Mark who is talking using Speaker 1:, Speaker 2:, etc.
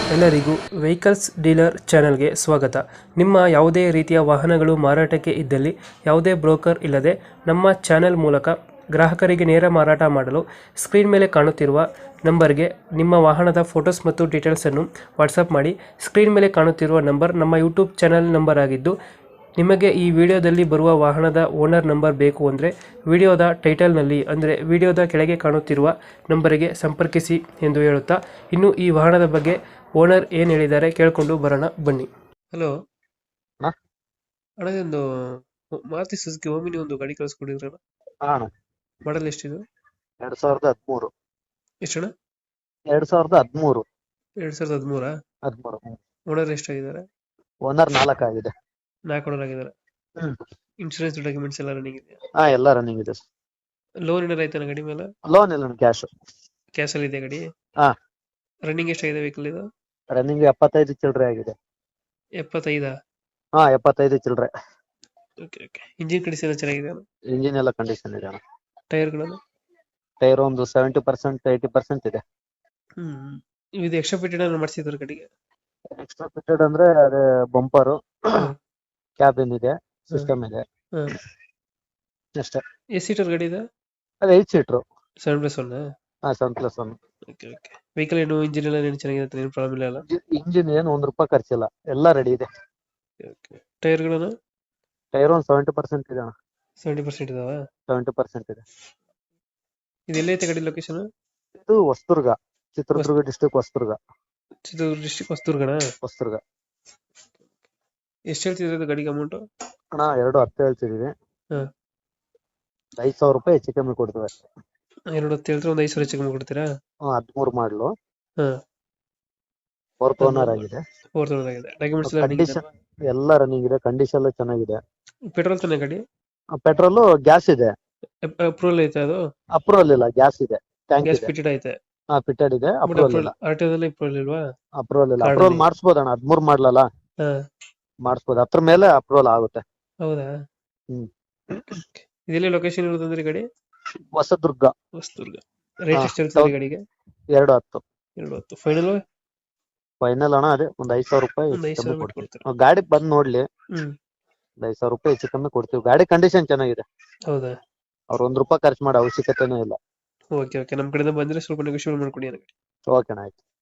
Speaker 1: ಎಲ್ಲರಿಗೂ vehicles dealer ಚಾನೆಲ್ಗೆ ಸ್ವಾಗತ. ನಿಮ್ಮ ಯಾವುದೇ ರೀತಿಯ ವಾಹನಗಳು ಮಾರಾಟಕ್ಕೆ ಇದ್ದಲ್ಲಿ ಯಾವುದೇ ಬ್ರೋಕರ್ ಇಲ್ಲದೆ ನಮ್ಮ ಚಾನೆಲ್ ಮೂಲಕ ಗ್ರಾಹಕರಿಗೆ ನೇರ ಮಾರಾಟ ಮಾಡಲು ಸ್ಕ್ರೀನ್ ಮೇಲೆ ಕಾಣುತ್ತಿರುವ ನಂಬರ್ಗೆ ನಿಮ್ಮ ವಾಹನದ ಫೋಟೋಸ್ ಮತ್ತು ಡೀಟೇಲ್ಸನ್ನು ವಾಟ್ಸಪ್ ಮಾಡಿ. ಸ್ಕ್ರೀನ್ ಮೇಲೆ ಕಾಣುತ್ತಿರುವ ನಂಬರ್ ನಮ್ಮ ಯೂಟ್ಯೂಬ್ ಚಾನೆಲ್ ನಂಬರ್ ಆಗಿದ್ದು, ನಿಮಗೆ ಈ ವಿಡಿಯೋದಲ್ಲಿ ಬರುವ ವಾಹನದ ಓನರ್ ನಂಬರ್ ಬೇಕು ಅಂದರೆ ವಿಡಿಯೋದ ಟೈಟಲ್ನಲ್ಲಿ ಅಂದರೆ ವಿಡಿಯೋದ ಕೆಳಗೆ ಕಾಣುತ್ತಿರುವ ನಂಬರಿಗೆ ಸಂಪರ್ಕಿಸಿ ಎಂದು ಹೇಳುತ್ತಾ, ಇನ್ನು ಈ ವಾಹನದ ಬಗ್ಗೆ ಓನರ್ ಏನು ಹೇಳಿದ್ದಾರೆ ಕೇಳಿಕೊಂಡು ಬರೋಣ ಬನ್ನಿ. ಹಲೋ
Speaker 2: ಹಾ
Speaker 1: ಅಣ್ಣ, ಒಂದು ಮಾರುತಿ ಸುಜುಕಿ ಓಮಿನಿ ಒಂದು ಗಾಡಿ ಕಳಿಸ್ಕೊಡಿದ್ರಣ್ಣ.
Speaker 2: ಅಣ್ಣ,
Speaker 1: ಮಾಡಲ್ ಎಷ್ಟಿದು?
Speaker 2: 2013.
Speaker 1: ಎಷ್ಟಣ್ಣ?
Speaker 2: 2013.
Speaker 1: 2013.
Speaker 2: 13.
Speaker 1: ಓನರ್ ಎಷ್ಟಾಗಿದ್ದಾರೆ?
Speaker 2: ಓನರ್ 4 ಆಗಿದೆ.
Speaker 1: 4 ಓನರ್ ಆಗಿದ್ದಾರೆ.
Speaker 2: ಹ್ಮ್.
Speaker 1: ಇನ್ಶೂರೆನ್ಸ್ ಡಾಕ್ಯುಮೆಂಟ್ಸ್ ಎಲ್ಲ ರನ್ನಿಂಗ್ ಇದೆಯಾ?
Speaker 2: ಹಾ, ಎಲ್ಲ ರನ್ನಿಂಗ್ ಇದೆ.
Speaker 1: ಲೋನ್ ಏನಾರ ಆಯ್ತಾನ ಗಾಡಿ ಮೇಲೆ?
Speaker 2: ಲೋನ್ ಇಲ್ಲ, ಕ್ಯಾಶ್.
Speaker 1: ಕ್ಯಾಶ್ ಅಲ್ಲಿ ಇದೆ ಗಾಡಿ?
Speaker 2: ಹಾ,
Speaker 1: ರನ್ನಿಂಗ್ ಎಷ್ಟಾಗಿದೆ ವೆಹಿಕಲ್ ಇದು?
Speaker 2: ರನ್ನಿಂಗ್ 75 ಚಿಲ್ಲರೆ ಆಗಿದೆ.
Speaker 1: 75?
Speaker 2: ಹಾ, 75 ಚಿಲ್ಲರೆ.
Speaker 1: Okay okay. ಇಂಜಿನ್ ಕಂಡೀಷನ್ ಎಲ್ಲ ಚೆನ್ನಾಗಿದೆ?
Speaker 2: ಇಂಜಿನ್ ಎಲ್ಲ ಕಂಡೀಷನ್ ಇದೆ ಅಣ್ಣ.
Speaker 1: ಟೈರ್ಗಳನ್ನು?
Speaker 2: ಟೈರ್ ಒಂದು 70% 80% ಇದೆ.
Speaker 1: ಇದು ಎಕ್ಸ್ಟ್ರಾ ಫಿಟೆಡ್ ಏನಾದ್ರು ಮಾಡಿಸಿದ್ರು ಗಾಡಿಗೆ?
Speaker 2: ಎಕ್ಸ್ಟ್ರಾ ಫಿಟೆಡ್ ಅಂದ್ರೆ ಅದೇ ಬಂಪರು,
Speaker 1: ಹ್ಮ್.
Speaker 2: ಕ್ಯಾಬಿನ್ ಇದೆ, ಸಿಸ್ಟಮ್ ಇದೆ
Speaker 1: ಹ್ಮ್.
Speaker 2: ಅಷ್ಟೇ.
Speaker 1: ಎಷ್ಟು ಸೀಟರ್ ಗಾಡಿ ಇದೆ?
Speaker 2: ಅದೇ 8 ಸೀಟ್ರು.
Speaker 1: 7+1?
Speaker 2: ಹಾ, 7+1.
Speaker 1: Okay okay. ವೆಹಿಕಲ್ ಏನು ಇಂಜಿನ್ ಎಲ್ಲ ಏನು ಚೆನ್ನಾಗಿದೆ, ಏನು ಪ್ರಾಬ್ಲಮ್ ಇಲ್ಲ ಅಲ್ಲ?
Speaker 2: ಇಂಜಿನ್ ಏನು ₹1 ಖರ್ಚಿಲ್ಲ, ಎಲ್ಲ ರೆಡಿ ಇದೆ.
Speaker 1: ಓಕೆ. ಟೈರ್ಗಳನ್ನು?
Speaker 2: ಟೈರ್ ಒಂದು 70% ಇದೆ ಅಣ್ಣ.
Speaker 1: 70% ಇದಾವ?
Speaker 2: 70% ಇದೆ.
Speaker 1: ಇದು ಎಲ್ಲೈತೆ ಗಾಡಿ ಲೊಕೇಶನ್?
Speaker 2: ಇದು ಹೊಸದುರ್ಗ, ಚಿತ್ರದುರ್ಗ ಡಿಸ್ಟ್ರಿಕ್ಟ್ ಹೊಸದುರ್ಗ.
Speaker 1: ಚಿತ್ರದುರ್ಗ ಡಿಸ್ಟ್ರಿಕ್ಟ್ ಹೊಸದುರ್ಗನ?
Speaker 2: ಹೊಸದುರ್ಗ.
Speaker 1: ಎಷ್ಟು ಹೇಳ್ತಿದ್ರೆ ಇದು ಗಾಡಿಗೆ ಅಮೌಂಟ್?
Speaker 2: ಅಣ್ಣ, 210 ಹೇಳ್ತಿದೀವಿ.
Speaker 1: ಹಾಂ.
Speaker 2: ₹5,000 ಹೆಚ್ಚು ಕಮ್ಮಿ ಕೊಡ್ತೀವಿ.
Speaker 1: 210 ಹೇಳಿದ್ರೆ ಒಂದು 5,000 ಹೆಚ್ಚು ಕಮ್ಮಿ ಕೊಡ್ತೀರಾ?
Speaker 2: 13 ಮಾಡಲು,
Speaker 1: ಹಾಂ.
Speaker 2: 4th ಓನರ್ ಆಗಿದೆ.
Speaker 1: 4th ಓನರ್ ಆಗಿದೆ. ಡಾಕ್ಯುಮೆಂಟ್ಸ್ ಎಲ್ಲ ರನ್ನಿಂಗ್
Speaker 2: ಕಂಡೀಷನ್ ಎಲ್ಲ ರನ್ನಿಂಗ್ ಇದೆ, ಕಂಡೀಷನ್ ಎಲ್ಲ ಚೆನ್ನಾಗಿದೆ.
Speaker 1: ಪೆಟ್ರೋಲ್ ತಾನೆ ಗಾಡಿ?
Speaker 2: ಪೆಟ್ರೋಲ್, ಗ್ಯಾಸ್ ಇದೆ.
Speaker 1: ಅಪ್ರೂವಲ್ ಐತೆ ಅದು?
Speaker 2: ಅಪ್ರೂವಲ್ ಇಲ್ಲ, ಗ್ಯಾಸ್ ಇದೆ, ಟ್ಯಾಂಕ್
Speaker 1: ಗ್ಯಾಸ್
Speaker 2: ಇದೆ.
Speaker 1: ಫಿಟೆಡ್ ಐತೆ?
Speaker 2: ಹಾ, ಫಿಟೆಡ್ ಇದೆ, ಅಪ್ರೂವಲ್ ಇಲ್ಲ.
Speaker 1: ಆರ್ಟಿಒದಲ್ಲಿ ಅಪ್ರೂವಲ್ ಇಲ್ವಾ?
Speaker 2: ಅಪ್ರೂವಲ್ ಇಲ್ಲ.
Speaker 1: ಕಾರ್ಡ್
Speaker 2: ಅಪ್ರೂವಲ್
Speaker 1: ಅಲ್ಲಿ?
Speaker 2: ಮಾಡಿಸ್ಬೋದಣ್ಣ, 13 ಮಾಡಲಲ್ಲ,
Speaker 1: ಹಾಂ.
Speaker 2: ಮಾಡಿಸ್ಬೋದು. ಅದ್ರ ಮೇಲೆ ಅಪ್ರೂವಲ್ ಆಗುತ್ತೆ.
Speaker 1: ಹೌದಾ?
Speaker 2: ಹ್ಮ್.
Speaker 1: ಇದೆಲ್ಲ ಲೊಕೇಶನ್ ಇರೋದಂದ್ರೆ ಗಾಡಿ?
Speaker 2: ಹೊಸದುರ್ಗ.
Speaker 1: ಹೊಸದುರ್ಗ. ರೇಟ್ ಎಷ್ಟು ಹೇಳ್ತೀರಿ ಗಾಡಿಗೆ?
Speaker 2: 210.
Speaker 1: 210 ಫೈನಲ್?
Speaker 2: ಫೈನಲ್ ಅಣ್ಣ, ಅದೇ ಒಂದು ₹5,000
Speaker 1: ಒಂದು
Speaker 2: ಹೆಚ್ಚು
Speaker 1: 5,000
Speaker 2: ಕಮ್ಮಿ
Speaker 1: ಬಿಟ್ಟು
Speaker 2: ಕೊಡ್ತೀವಿ.
Speaker 1: ಕೊಡ್ತೀರಾ?
Speaker 2: ಗಾಡಿ ಬಂದ್ ನೋಡ್ಲಿ,
Speaker 1: ಹ್ಮ್.
Speaker 2: ಒಂದು ₹5,000 ಹೆಚ್ಚು ಕಮ್ಮಿ ಕೊಡ್ತೀವಿ. ಗಾಡಿ ಕಂಡೀಷನ್ ಚೆನ್ನಾಗಿದೆ.
Speaker 1: ಹೌದಾ?
Speaker 2: ಅವ್ರು ₹1 ಖರ್ಚು ಮಾಡೋ ಅವಶ್ಯಕತೆನೇ ಇಲ್ಲ.
Speaker 1: Okay okay. ನಮ್ಮ ಕಡೆಯಿಂದ ಬಂದ್ರೆ ಸ್ವಲ್ಪ ನೆಗೋಷಿಯೇಟ್ ಮಾಡ್ಕೊಡಿ.
Speaker 2: ಓಕೆ ಅಣ್ಣ, ಆಯ್ತು.